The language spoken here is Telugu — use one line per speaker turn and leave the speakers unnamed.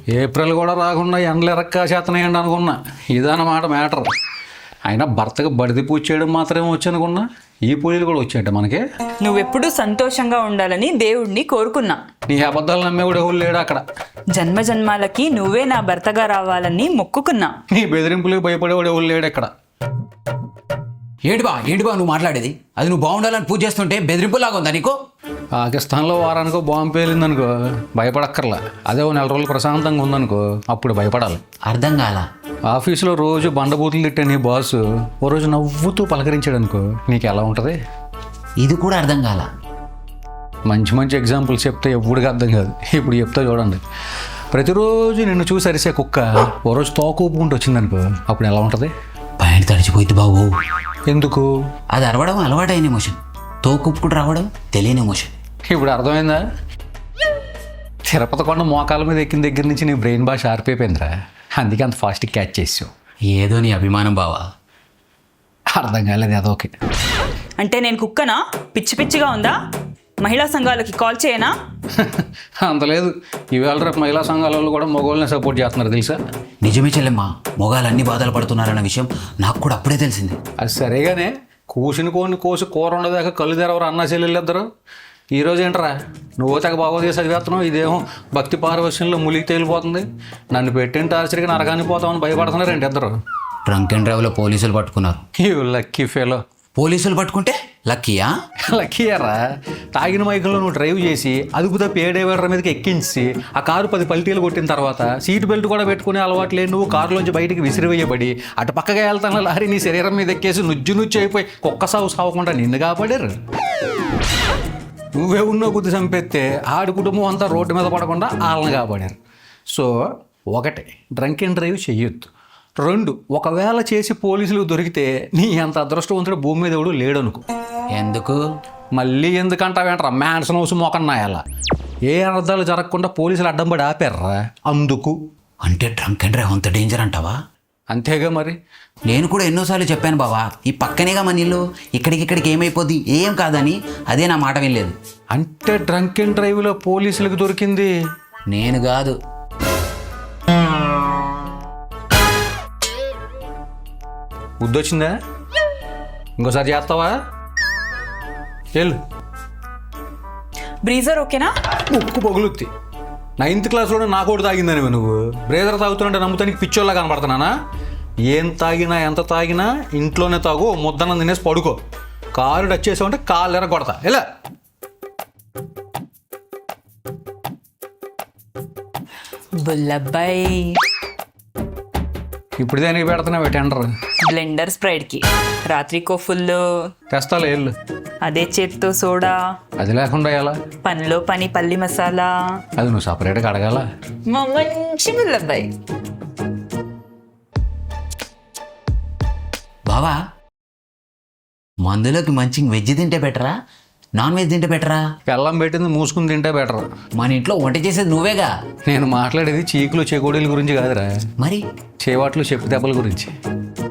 ఏప్రిల్ కూడా రాకుండా ఎండలు ఎరక్క చేతనేయండి అనుకున్నా. ఇదన్నమాట మ్యాటర్. అయినా భర్తకు బడిది పూజ చేయడం మాత్రమే వచ్చి అనుకున్నా, ఈ పూజలు కూడా వచ్చాయంట మనకి.
నువ్వెప్పుడు సంతోషంగా ఉండాలని దేవుడిని కోరుకున్నా.
నీ అబద్ధాలు నమ్మేవాడు ఎవరు లేడు అక్కడ.
జన్మ జన్మాలకి నువ్వే నా భర్తగా రావాలని మొక్కుకున్నా.
నీ బెదిరింపులకు భయపడేవాడు ఎవరు లేడు ఎక్కడ.
ఏంటి బా నువ్వు మాట్లాడేది? అది నువ్వు బాగుండాలని పూజ చేస్తుంటే బెదిరింపులాగా ఉందా నీకు?
పాకిస్తాన్లో వారానికో బాంబు పేలిందనుకో భయపడక్కర్లా. అదే ఓ 4 రోజులు ప్రశాంతంగా ఉందనుకో అప్పుడు భయపడాలి.
అర్థం కాల.
ఆఫీసులో రోజు బండబూతులు తిట్టే నీ బాసు ఓ రోజు నవ్వుతూ పలకరించాడు అనుకో, నీకు ఎలా ఉంటుంది?
ఇది కూడా అర్థం కాల.
మంచి మంచి ఎగ్జాంపుల్స్ చెప్తే ఎప్పుడుగా అర్థం కాదు. ఇప్పుడు చెప్తా చూడండి. ప్రతిరోజు నిన్ను చూసి అరిసే కుక్క ఓ రోజు తోక ఊపుకుంటూ వచ్చిందనుకో అప్పుడు ఎలా ఉంటుంది?
పైన తడిచిపోయింది బాబు.
ఎందుకు?
అది అరవడం అలవాటైన ఎమోషన్, తోకుప్పుడు రావడం తెలియని ఎమోషన్.
ఇప్పుడు అర్థమైందా? తిరుపతి కొండ మోకాల మీద ఎక్కిన దగ్గర నుంచి నీ బ్రెయిన్ బాగా షార్ప్ అయిపోయిందిరా, అందుకే అంత ఫాస్ట్గా క్యాచ్ చేసావు.
ఏదో నీ అభిమానం బావా.
అర్థం కాలేదు అదొకే.
అంటే నేను కుక్కనా? పిచ్చి పిచ్చిగా ఉందా? మహిళా సంఘాలకి కాల్ చేయనా?
అంత లేదు. ఈవేళ రేపు మహిళా సంఘాల వాళ్ళు కూడా మగవాళ్ళని సపోర్ట్ చేస్తున్నారు తెలుసా?
నిజమే చెల్లెమ్మ, మొగాలు అన్ని బాధలు పడుతున్నారన్న విషయం నాకు కూడా అప్పుడే తెలిసింది.
అది సరేగానే కూసిన కోసి కూర ఉండదాకా కళ్ళు తెరవరు అన్నా చెల్లెళ్ళు ఇద్దరు. ఈరోజు ఏంటరా నువ్వు తెగ బాగోదే చదివేస్తున్నావు, ఇదేమో భక్తి పారవశ్యంలో ములిగి తేలిపోతుంది. నన్ను పెట్టిన టార్చర్కి నరకానికి పోతామని భయపడుతున్నారు ఏంటి ఇద్దరు?
డ్రంక్ అండ్ డ్రైవ్లో పోలీసులు పట్టుకున్నారు.
You lucky fellow.
పోలీసులు పట్టుకుంటే లక్కీయా?
లక్కీయరా. తాగిన మైకంలో నువ్వు డ్రైవ్ చేసి అదుపు తప్పి ఏ డ్రైవర్ మీదకి ఎక్కించి ఆ కారు 10 పల్టీలు కొట్టిన తర్వాత సీట్ బెల్ట్ కూడా పెట్టుకునే అలవాటు లేదు నువ్వు కారులోంచి బయటికి విసిరివేయబడి అటు పక్కగా వెళ్తాను లారీ నీ శరీరం మీద ఎక్కేసి నుజ్జు అయిపోయి కుక్క సాగు సావకుండా నిన్ను కాపాడారు. నువ్వే ఉన్నో గుద్ది చంపేస్తే ఆడి కుటుంబం అంతా రోడ్డు మీద పడకుండా వాళ్ళని కాపాడారు. సో 1 డ్రంక్ అండ్ డ్రైవ్ చెయ్యొద్దు. 2 ఒకవేళ చేసి పోలీసులకు దొరికితే నీ అంత అదృష్టవంతుడు భూమి మీద ఎవడు లేడనుకో.
ఎందుకు?
మళ్ళీ ఎందుకంటావేంట్రా మ్యాన్సన్ హౌస్ మోకన్నాయాల ఏ అర్థాలు జరగకుండా పోలీసులు అడ్డం పడి ఆపారా అందుకు.
అంటే డ్రంక్ అండ్ డ్రైవ్ అంత డేంజర్ అంటావా?
అంతేగా మరి.
నేను కూడా ఎన్నోసార్లు చెప్పాను బావా, ఈ పక్కనేగా మన ఇల్లు, ఇక్కడికి ఏమైపోద్ది, ఏం కాదని. అదే నా మాట వినలేదు.
అంటే డ్రంక్ అండ్ డ్రైవ్లో పోలీసులకు దొరికింది
నేను కాదు.
బుద్ధొచ్చిందా? ఇంకోసారి చేస్తావా? వెళ్ళు.
బ్రీజర్ ఓకేనా?
ముక్కు పగులుద్ది. 9th క్లాస్లోనే నాకోటి తాగిందని నువ్వు బ్రేజర్ తాగుతున్నట్టే నమ్ముతానికి పిచ్చోళ్ళ కనపడుతున్నానా? ఏం తాగినా ఎంత తాగినా ఇంట్లోనే తాగు, ముద్దనం తినేసి పడుకో. కారు టచ్ చేసావంటే కాళ్ళు ఎరగొడతా. ఎలా
బుల్లబ్బాయి
ఇప్పుడు దానికి పెడుతున్నావు టెండర్?
బ్లెండర్ స్ప్రైడ్కి రాత్రికో ఫుల్
తెస్తాలే వెళ్ళు.
అదే చేత్తో సోడా,
అది లేకుండా ఎలా?
పనిలో పని పల్లి మసాలా.
అది నువ్వు సపరేట్గా అడగాల.
మా మంచి బుల్లబ్బాయి.
బావా, మందులోకి మంచి వెజ్ తింటే బెటరా, నాన్ వెజ్ తింటే బెటరా?
బెల్లం పెట్టింది మూసుకుని తింటే బెటర్.
మన ఇంట్లో వంట చేసేది నువ్వేగా.
నేను మాట్లాడేది చీకులు చెకోడీల గురించి కాదురా,
మరి
చేవాట్లు చెప్పు దెబ్బల గురించి.